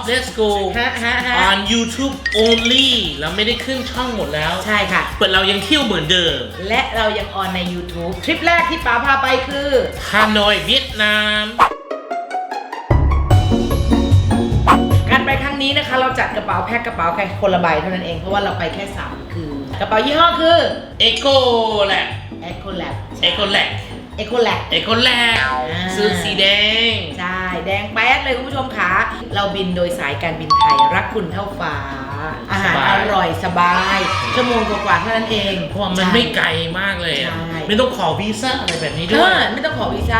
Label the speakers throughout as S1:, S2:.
S1: Let's Go on YouTube only เราไม่ได้ขึ้นช่องหมดแล้ว
S2: ใช่ค่ะ
S1: เปิดเรายังเที่ยวเหมือนเดิม
S2: และเรายังออนใน YouTube ทริปแรกที่ป๋าพาไปคือ
S1: ฮานอยเวียดนาม
S2: การไปครั้งนี้นะคะเราจัดกระเป๋าแพ็คกระเป๋าแค่คนละใบเท่านั้นเองเพราะว่าเราไปแค่3คืนกระเป๋ายี่ห้อคือ
S1: Eco Lab
S2: Eco Lab
S1: Eco Lab
S2: Eco Lab
S1: Eco Lab ซื้อสีแดง
S2: ใช่แดงแป๊ดเลยคุณผู้ชมค่ะเราบินโดยสายการบินไทยรักคุณเท่าฟ้าอาหารอร่อยสบายชั่วโมงกว่าเท่านั้นเอง
S1: เพราะว่ามันไม่ไกลมากเลยไม่ต้องขอวีซ่าอะไรแบบนี้ด้วย
S2: ไม่ต้องขอวีซ่า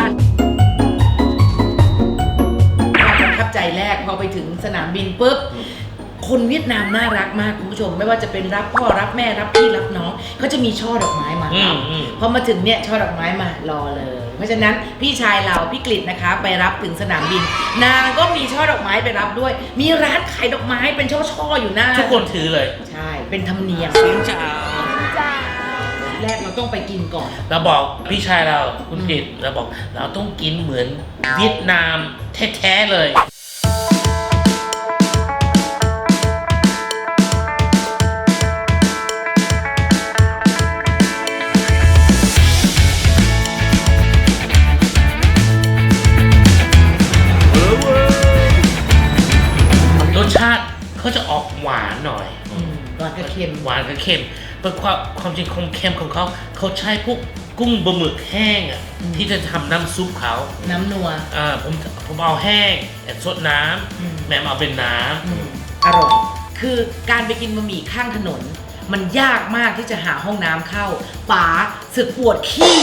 S2: ประทับใจแรกพอไปถึงสนามบินปุ๊บคนเวียดนามน่ารักมากคุณผู้ชมไม่ว่าจะเป็นรับพ่อรับแม่รับพี่รับน้องเขาจะมีช่อดอกไม้มารับพอมาถึงเนี่ยช่อดอกไม้มารอเลยเพราะฉะนั้นพี่ชายเราพี่กฤษนะคะไปรับถึงสนามบินนางก็มีช่อดอกไม้ไปรับด้วยมีร้านขายดอกไม้เป็นช่อๆอยู่หน้า
S1: ทุกคนถือเลย
S2: ใช่เป็นธรรมเนียมจ้าแรกเราต้องไปกินก่อน
S1: เราบอกพี่ชายเราคุณกฤษเราบอกเราต้องกินเหมือนเวียดนามแท้ๆเลยรสชาติเขาจะออกหวานหน่อย
S2: หวานกับเค็ม
S1: หวานกับเค็มเป็นความจริงความเค็มของเขาใช้พวกกุ้งบะหมึกแห้งอ่ะที่จะทำน้ำซุปเขา
S2: น้ำนัว
S1: ผมเอาแห้งแต่ซดน้ำแม่เอาเป็นน้
S2: ำอร่อยคือการไปกินบะหมี่ข้างถนนมันยากมากที่จะหาห้องน้ำเข้าป๋าสึกปวดขี้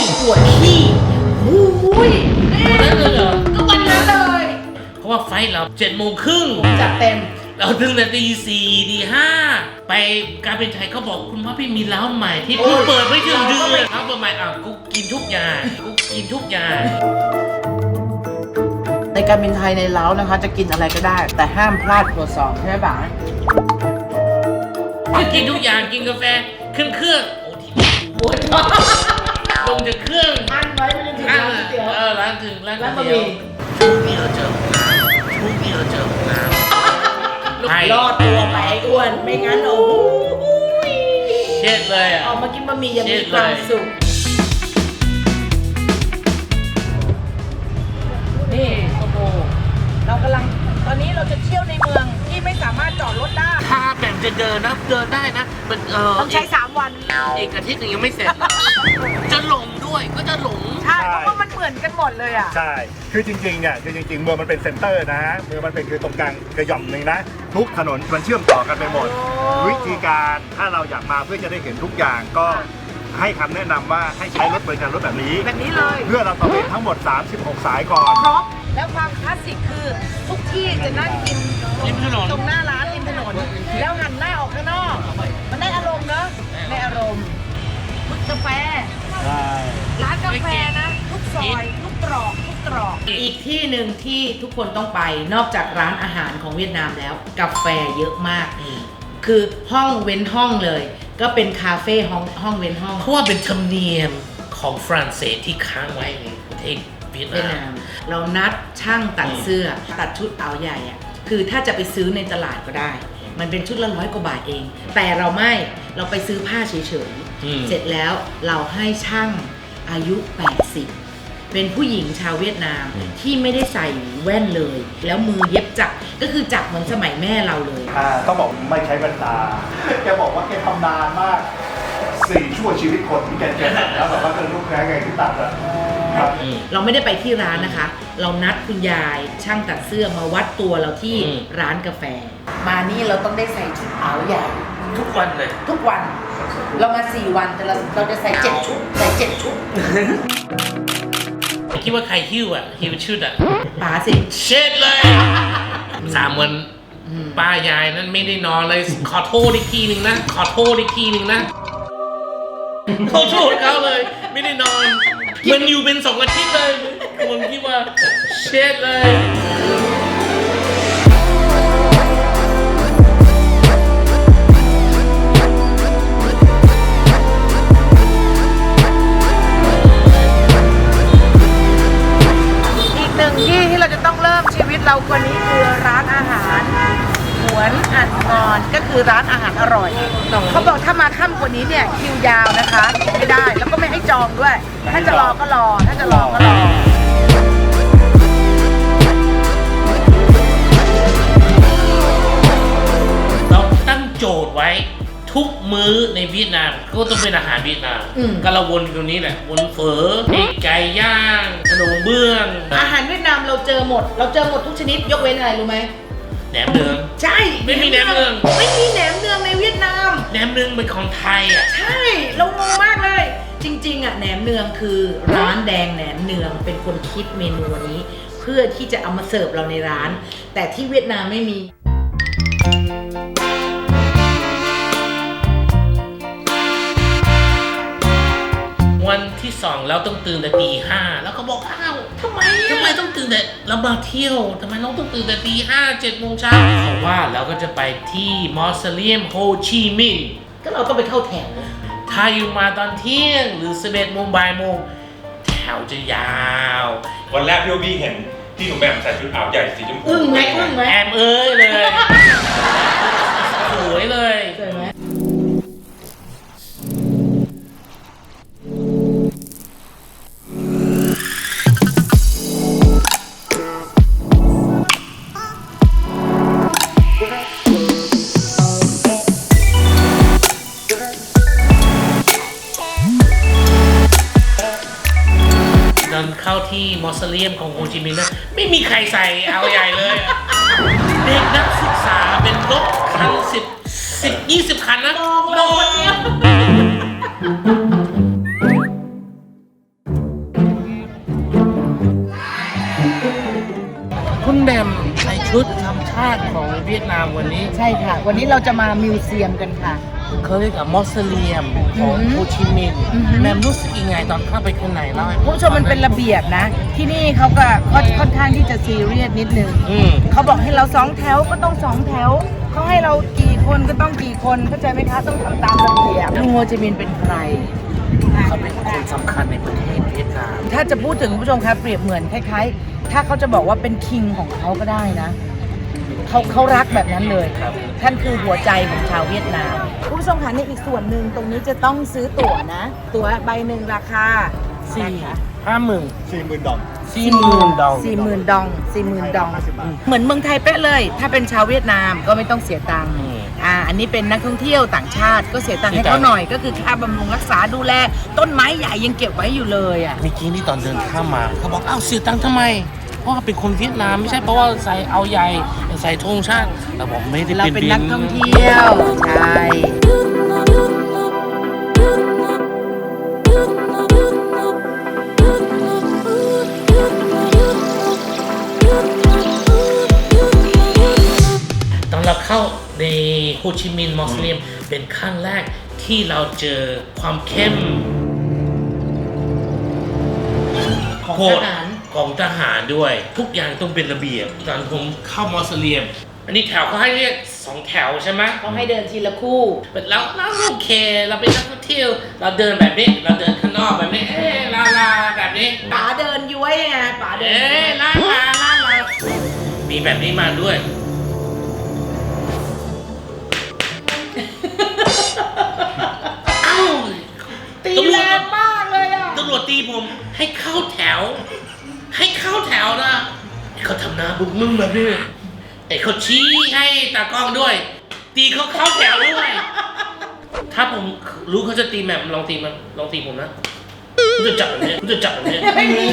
S2: อุ้ย
S1: นั่นเลยเหรอ
S2: ก็วันนั้นเลย
S1: เพราะว่าไฟเรา7:30
S2: จัดเต็ม
S1: เราถึงแต่ตี 4 ตี 5ไปการเป็นไทยเขาบอกคุณพ่อพี่มีร้านใหม่ที่เพิ่งเปิดไม่ถึงเดือนร้านใหม่กูกินทุกอย่าง
S2: ในการบินไทยในเล้านะคะจะกินอะไรก็ได้แต่ห้ามพลาดครัวซองใช่ไหมป๋า
S1: กินทุกอย่างกินกาแฟขึ้นเครื่องโอ้ที่ปวดลงจากเครื่อง
S2: อั้นไว้ไม่ได้ถึงร้านก๋วยเตี๋ยว
S1: ร้านบะหมี่ช่วงนี้เราเจอน้ำ
S2: รอดตัวไปอ้วนไม่งั้นโอ้โห
S1: เช็ดเลย
S2: ออกมากินบะหมี่ยังมีความสุขนี่โอ้โหเรากำลังตอนนี้เราจะเที่ยวในเมืองที่ไม่สามารถจอดรถได้
S1: ถ้าแบบจะเดินได้นะมัน
S2: ต้องใช้3 วัน
S1: อีกอาทิตย์นึงยังไม่เสร็จจะหลงด้วยก็จะหลง
S2: ใช่เพราะว่ามันเหมือนกันหมดเลยอ่ะ
S3: ใช่คือจริงๆเนี่ยคือจริงๆเมืองมันเป็นเซ็นเตอร์นะเมืองมันเป็นคือตรงกลางกระหย่อมหนึ่งนะทุกถนนมันเชื่อมต่อกันไปหมดวิธีการถ้าเราอยากมาเพื่อจะได้เห็นทุกอย่างก็ให้คำแนะนำว่าให้ใช้รถบริการรถแบบนี้
S2: เลย
S3: เพื่อเราตระเวนทั้งหมด36 สายก่อน
S2: ครบแล้วความคลาสสิกคือทุกที่จะนั่งกินตรงหน้าร้านริมถนนแล้วหันหน้าออกข้างนอกมันได้อารมณ์เนอะได้อารมณ์ทุกกาแฟร้านกาแฟนะทุกซอยทุกตรอกอีกที่หนึ่งที่ทุกคนต้องไปนอกจากร้านอาหารของเวียดนามแล้วกาแฟเยอะมากคือห้องเว้นห้องเลยก็เป็นคาเฟ่ห้องเว้นห้อง
S1: เพราะว่าเป็นธรรมเนียมของฝรั่งเศสที่ค้างไว้ในประเทศเวียดนาม
S2: เรานัดช่างตัดเสื้อตัดชุดเอาใหญ่อะคือถ้าจะไปซื้อในตลาดก็ได้มันเป็นชุดละ100 กว่าบาทเองแต่เราไปซื้อผ้าเฉยๆเสร็จแล้วเราให้ช่างอายุ80เป็นผู้หญิงชาวเวียดนามที่ไม่ได้ใส่แว่นเลยแล้วมือเย็บจักรก็คือจักรเหมือนสมัยแม่เราเลย
S3: ต้องบอกไม่ใช้แว่นตาแกบอกว่าแกทำนานมาก4 ชั่วชีวิตคนที่แกตัดแล้วแบบว่าเป็นลูกแพ้ไงที่ตัดอะ
S2: เราไม่ได้ไปที่ร้านนะคะเรานัดคุณยายช่างตัดเสื้อมาวัดตัวเราที่ร้านกาแฟมานี่เราต้องได้ใส่ชุดขาวใหญ่
S1: ทุกวันเลย
S2: ทุกวันเรามา4 วันแต่เราจะใส่7 ชุด
S1: คิดว่าใครหิ้วชุด
S2: ป๋าสิ
S1: เช็ดเลย3 วันป้ายายนั้นไม่ได้นอนเลยขอโทษอีกทีหนึ่งนะขอโทษเขาเลยไม่ได้นอนมันอยู่เป็น2 อาทิตย์เลยผมคิดว่าเช็ดเลย
S2: อีก1 ที่เราจะต้องเริ่มชีวิตเราวันนี้คือร้านอาหารหวนอัดงอนก็คือร้านอาหารอร่อยเขาบอกถ้ามาค่ำกว่านี้เนี่ยคิวยาวนะคะไม่ได้แล้วก็ไม่ให้จองด้วยถ้าจะรอก็รอถ้าจะรอก็รอ
S1: เราตั้งโจทย์ไว้ทุกมื้อในเวียดนามก็ต้องเป็นอาหารเวียดนามก็เราวนอยู่ตรงนี้แหละวนเฝอไก่ย่างขนมเบื้อง
S2: อาหารเวียดนามเราเจอหมดทุกชนิดยกเว้นอะไรรู้ไหม
S1: แหนมเนือง
S2: ใช่
S1: ไม่มีแหนมเนือง
S2: ไม่มีแหนมเนืองในเวียดนาม
S1: แหนมเนืองเป็นของไทยอ่ะ
S2: ใช่เรางงมากเลยจริงๆอ่ะแหนมเนืองคือร้านแดงแหนมเนืองเป็นคนคิดเมนูนี้เพื่อที่จะเอามาเสิร์ฟเราในร้านแต่ที่เวียดนามไม่มี
S1: วันที่2เราต้องตื่นแต่ตี 5แล้วก็บอกอ้าวทำไมต้องตื่นแต่เรามาเที่ยวทำไมเราต้องตื่นแต่ตี 5 7 โมงเช้าเพราะว่าเราก็จะไปที่มอสเซเลียมโฮจิมินห์
S2: ก็เราต้องไปเข้าแถว
S1: ถ้าอยู่มาตอนเที่ยงหรือ11 โมงบ่ายโมงแถวจะยาว
S4: วันแรกพี่โอบี้เห็นที่หนูแหม่มใส่ชุดขาวใหญ่สีชมพู
S2: อึ้งไหม
S1: แอมเลยสวยเลย
S2: สวยไหม
S1: เข้าที่มอสเลียมของโฮจิมินห์นะไม่มีใครใส่เอาใหญ่เลยเด็กนักศึกษาเป็นรถคัน20 คันนะมองคุณแบมใส่ชุดธรรมชาติของเวียดนามวันนี้
S2: ใช่ค่ะวันนี้เราจะมามิวเซียมกันค่ะ
S1: เขาเรียกว่ามอสเลียมของโฮจิมินห์แมมรู้สึกยังไงตอนเข้าไปข้างในเล่าให้
S2: ผู้ชมมันเป็นระเบียบนะที่นี่เขาก็ค่อนข้างที่จะซีเรียสนิดนึงเขาบอกให้เรา2 แถวก็ต้อง2 แถวเขาให้เรากี่คนก็ต้องกี่คนเข้าใจไหมคะต้องทำตามระเบียบลุงโฮจิมินห์เป็นใคร
S1: เขาเป็นคนสำคัญในประเทศเวียดนาม
S2: ถ้าจะพูดถึงผู้ชมครับเปรียบเหมือนคล้ายๆถ้าเขาจะบอกว่าเป็นคิงของเขาก็ได้นะเขารักแบบนั้นเลยท่านคือหัวใจของชาวเวียดนามผู้ชมคะในอีกส่วนหนึ่งตรงนี้จะต้องซื้อตั๋วนะตั๋วใบหนึ่งราคา
S3: 40,000 ดอง
S1: 40,000 ดอง
S2: เหมือนเมืองไทยเป๊ะเลยถ้าเป็นชาวเวียดนามก็ไม่ต้องเสียตังค์อันนี้เป็นนักท่องเที่ยวต่างชาติก็เสียตังค์ให้เขาหน่อยก็คือค่าบำรุงรักษาดูแลต้นไม้ใหญ่ยังเก็บไว้อยู่เลยอ่ะ
S1: เมื่อกี้นี่ตอนเดินข้ามมาเขาบอกอ้าวเสียตังค์ทำไมเพราะว่าเป็นคนเวียดนามไม่ใช่เพราะว่าใส่เอาใหญ่ใส่ธงชาติแต่บอกไม่ได้
S2: เราเป็นนักท่องเที่ยวใช่
S1: ตอนเราเข้าในโฮจิมินห์มอสเลียมเป็นครั้งแรกที่เราเจอความเข้มของทหารด้วยทุกอย่างต้องเป็นระเบียบตอนผมเข้ามอสเลียมอันนี้แถวเขาให้เรียก2 แถวใช่ไหม
S2: เขาให้เดินทีละคู่
S1: แล้วโอเคเราเป็นนักท่องเที่ยวเราเดินแบบนี้เราเดินข้างนอกแบบนี้ลาแบบนี้
S2: ป๋าเดินย้วยไงป๋าเดิน
S1: ลามีแบบนี้มาด้วย
S2: ตีแรงมากเลยอ่ะ
S1: ตำรวจตีผมให้เข้าแถวนะเขาทำหน้าบุกมึงแบบนี้เขาชี้ให้ตากล้องด้วยตีเขาเข้าแถวด้วยถ้าผมรู้เขาจะตีแมมลองตีผมนะกูจะจับแบบนี้
S2: ไม่มี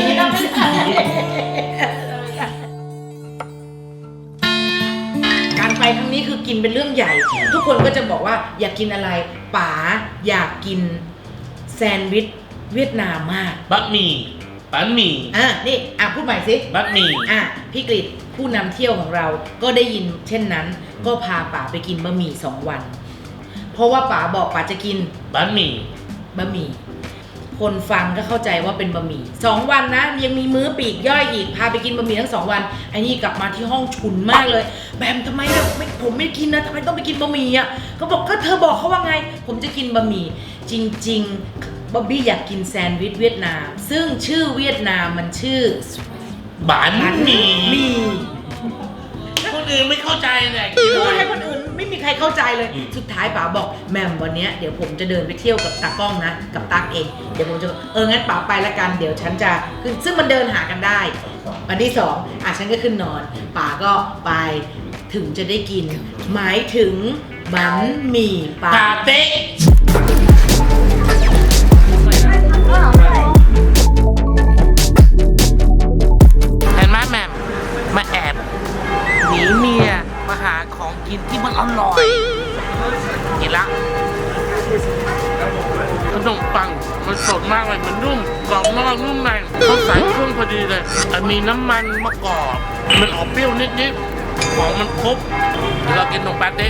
S2: การไปครั้งนี้คือกินเป็นเรื่องใหญ่ทุกคนก็จะบอกว่าอยากกินอะไรป๋าอยากกินแซนด์วิชเวียดนามมาก
S1: บะหมี่
S2: นี่พูดใหม่สิ
S1: บะหมี่
S2: พี่กฤษผู้นำเที่ยวของเราก็ได้ยินเช่นนั้นก็พาป๋าไปกินบะหมี่2 วันเพราะว่าป๋าบอกป๋าจะกิน
S1: บะหมี่
S2: คนฟังก็เข้าใจว่าเป็นบะหมี่2 วันนะยังมีมื้อปีกย่อยอีกพาไปกินบะหมี่ทั้ง2 วันไอ้นี่กลับมาที่ห้องฉุนมากเลยแบมทำไมผมไม่กินนะทำไมต้องไปกินบะหมี่อ่ะก็บอกก็เธอบอกเขาว่าไงผมจะกินบะหมี่จริงๆบ๊อบบี้อยากกินแซนด์วิชเวียดนามซึ่งชื่อเวียดนามมันชื่อ
S1: บันหมี่
S2: มี
S1: คนอื่นไม่เข้าใจเลย
S2: พูดให้คนอื่นไม่มีใครเข้าใจเลย สุดท้ายป๋าบอกแหม่มวันเนี้ยเดี๋ยวผมจะเดินไปเที่ยวกับตากล้องนะกับตั๊กเองเดี๋ยวผมจะงั้นป๋าไปละกันเดี๋ยวฉันจะขึ้นซึ่งมันเดินหากันได้วันที่2ฉันก็ขึ้นนอนป๋าก็ไปถึงจะได้กิน หมายถึงบันหมี่ปลา
S1: ปาเต้เห็นไหมแหม่มมาแอบหนีเมียมาหาของกินที่มันอร่อยกินละขนมปังมันสดมากเลยมันนุ่มกรอบนอกนุ่มในเขาใส่เครื่องพอดีเลยมีน้ำมันมะกอกมันออกเปรี้ยวนิดๆของมันครบเดี๋ยวเรากินตรงปาเต้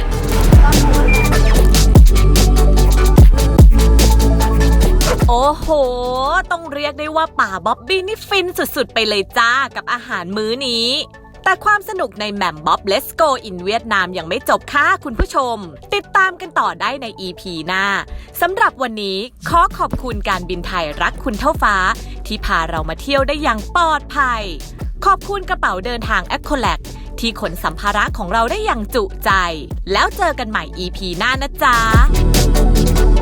S5: โอ้โห ต้องเรียกได้ว่าป่าบ๊อบบี้นี่ฟินสุดๆไปเลยจ้ากับอาหารมื้อนี้ แต่ความสนุกในแหม่มบ๊อบ Let's Go in เวียดนามยังไม่จบค่ะคุณผู้ชม ติดตามกันต่อได้ใน EP หน้าสำหรับวันนี้ขอขอบคุณการบินไทยรักคุณเท่าฟ้าที่พาเรามาเที่ยวได้อย่างปลอดภัยขอบคุณกระเป๋าเดินทาง Accolade ที่ขนสัมภาระของเราได้อย่างจุใจแล้วเจอกันใหม่ EP หน้านะจ๊ะ